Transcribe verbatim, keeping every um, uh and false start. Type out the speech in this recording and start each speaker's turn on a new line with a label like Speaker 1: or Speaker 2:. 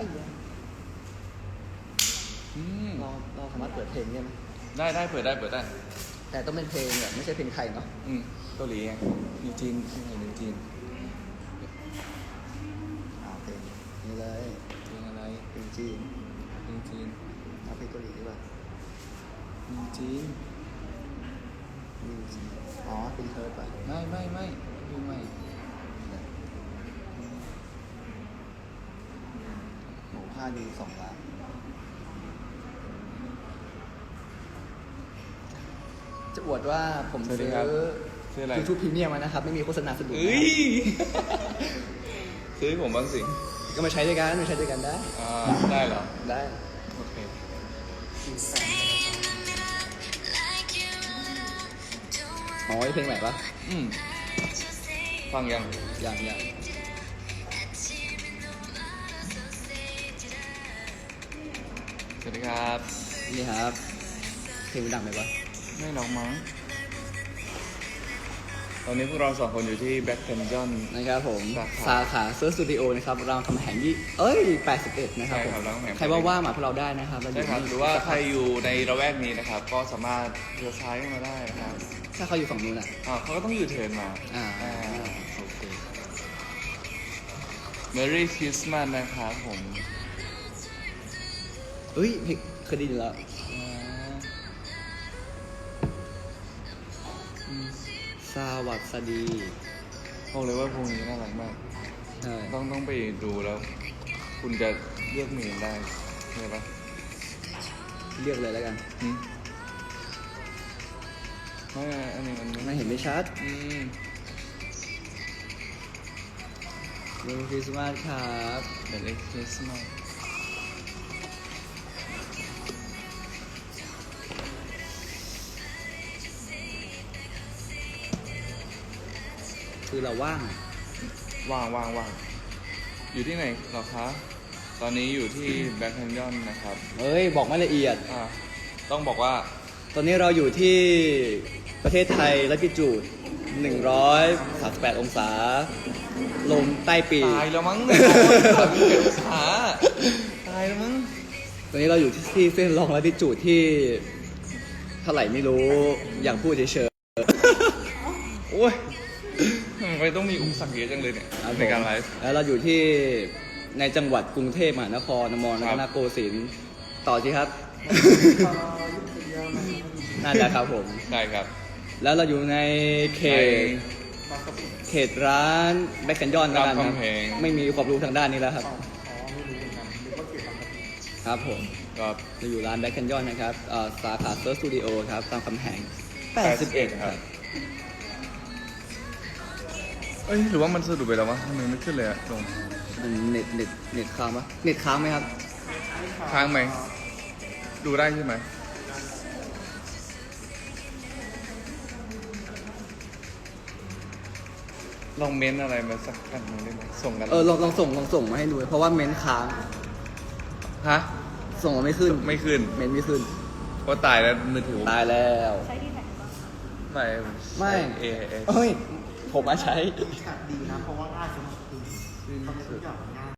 Speaker 1: อืม
Speaker 2: เราเราสามารถเปิดเพลงได้ไหม
Speaker 1: ได้ได้เปิดได้เปิดได้
Speaker 2: แต่ต้องเป็นเพลงแบบไม่ใช่เพลงไทยเนาะ
Speaker 1: อืมเกาหลีไงนิวจีนเพลงนิวจีน
Speaker 2: อ่าเพลงนี่เลย
Speaker 1: เพลงอะไร
Speaker 2: เพลงจีน
Speaker 1: นิวจีน
Speaker 2: เอาเพลงเกาหลีดีกว่า
Speaker 1: นิวจีน
Speaker 2: นิวจีนอ๋อเป็นเธอป่ะ
Speaker 1: ไม่ไม่ไม่ดูไม่
Speaker 2: หมูผ้าดีสองล้านจะอวดว่าผมซื้อ
Speaker 1: ซื้ออะไร
Speaker 2: ยูทูบพรีเมียมมานะครับ ไม่มีโฆษณาสะดุด
Speaker 1: เอ้ยซื้อให้ผมบ้างสิ
Speaker 2: ก็มาใช้ด้วยกันมาใช้ด้วยกันได้
Speaker 1: อ่าได้เหรอ
Speaker 2: ได้
Speaker 1: โอเค
Speaker 2: อ๋อเพลงไหนปะ
Speaker 1: อืมฟังยัง
Speaker 2: อย่างอย่าง
Speaker 1: สวัสดีครับ
Speaker 2: นี่ครับเพลงมันดังไหมปะ
Speaker 1: ไม่หรอกมั้งตอนนี้พวกเราสองคนอยู่ที่แบ็คเทนจอน
Speaker 2: นะครับผม
Speaker 1: สาขา
Speaker 2: สาขาเซิร์ชสตูดิโอนะครับรามคำแหงยี่เอ้ยแปดสิบเอ็ดนะครับ
Speaker 1: ใช่
Speaker 2: ผม
Speaker 1: ครับรามคำแหง
Speaker 2: ใครว่าว่ามาพวกเราได้นะครับเาอ
Speaker 1: ใช่
Speaker 2: ยู่
Speaker 1: ครับ
Speaker 2: นี่
Speaker 1: หรือว่าใครอยู่ในระแวกนี้นะครับ ก็สามารถเลี้ยวซ้ายเข้ามาได้นะครับ
Speaker 2: ถ้าเขาอยู่ฝั่งนู้นอ่ะ
Speaker 1: อ่าเขาก็ต้องอยู่เทิร์นมา
Speaker 2: อ่า
Speaker 1: โอเค Merry Christmas นะครับผม
Speaker 2: เอ้ยเพลงเคยได้ยินแล้ว
Speaker 1: อ่าอืม
Speaker 2: สวัสดี
Speaker 1: บอกเลยว่าพวกนี้น่ารักมาก
Speaker 2: ใช่
Speaker 1: ต้องต้องไปดูแล้ว คุณจะเลือกเมนได้ใช่ปะ
Speaker 2: เรียกเลยแล้วกัน
Speaker 1: หืมไม่อันนี้มัน
Speaker 2: ไม่เห็นไม่ชัด
Speaker 1: อืม
Speaker 2: เมรีคริสต์มาสครับ
Speaker 1: เดลิคริสต์มาส
Speaker 2: คือเราว่างอะ
Speaker 1: ว่างว่างว่างอยู่ที่ไหนเหรอคะ ตอนนี้อยู่ที่แบ็คแคนยอนนะครับ
Speaker 2: เอ้ยบอกไม่ละเอียด
Speaker 1: อ่าต้องบอกว่า
Speaker 2: ตอนนี้เราอยู่ที่ประเทศไทยลัติจูดหนึ่งร้อยสามสิบแปดองศา ลมใต้ปีก
Speaker 1: ตายแล้วมั้งเนี่ยสามสิบเอ็ดองศาตายแล้วมั้ง
Speaker 2: ตอนนี้เราอยู่ที่เส้นลองลัติจูดที่เท่าไหร่ไม่รู้ อย่างพูดเฉย
Speaker 1: โอ้ยทำไมต้องมีอุปสรรคเยอะจังเลยเนี่ย
Speaker 2: ๆ
Speaker 1: ในการไลฟ์
Speaker 2: แล้วเราอยู่ที่ในจังหวัดกรุงเทพมหานครนมร
Speaker 1: ค
Speaker 2: รั
Speaker 1: รับ
Speaker 2: ตนโกสินทร์ต่อสิครับ นั่นแหละครับผม
Speaker 1: ใช่ครับ
Speaker 2: แล้วเราอยู่ในเขต เขตร้านแบ็คแคนยอนแล้วกัน
Speaker 1: ราม
Speaker 2: ครับ
Speaker 1: คำแหง
Speaker 2: ไม่มีความรู้ทางด้านนี้แล้วครับ ครับผม
Speaker 1: ก็
Speaker 2: เราอยู่ร้านแบ็คแคนยอนนะครับเอ่อสาขาเซิร์ชสตูดิโอครับตามคำแหงแปดสิบเอ็ดครับ
Speaker 1: เอ้ยหรือว่ามันสะดุดไปแล้ววะทำไมไม่ขึ้นเลยอะลง
Speaker 2: มันเน็ตเน็ตเน็ตค้างปะเน็ตค้างไหมครับ
Speaker 1: ค้างไหมดูได้ใช่ไหมลองเม้นอะไรมาสักอันหนึงได้ไหมส่งกัน
Speaker 2: เออลองลองส่งลองส่งมาให้ดูเพราะว่าเมนค้าง
Speaker 1: ฮะ
Speaker 2: ส่งมาไม่ขึ้น
Speaker 1: ไม่ขึ้น
Speaker 2: เมนไม่ขึ้น
Speaker 1: เพราะตายแล้วมือถือผม
Speaker 2: ตายแล้ว
Speaker 1: ไม่
Speaker 2: ไม่
Speaker 1: เอเอ
Speaker 2: เอ้ย ผมมาใช้
Speaker 3: ดีนะเพราะว่าง่ายสำหรับ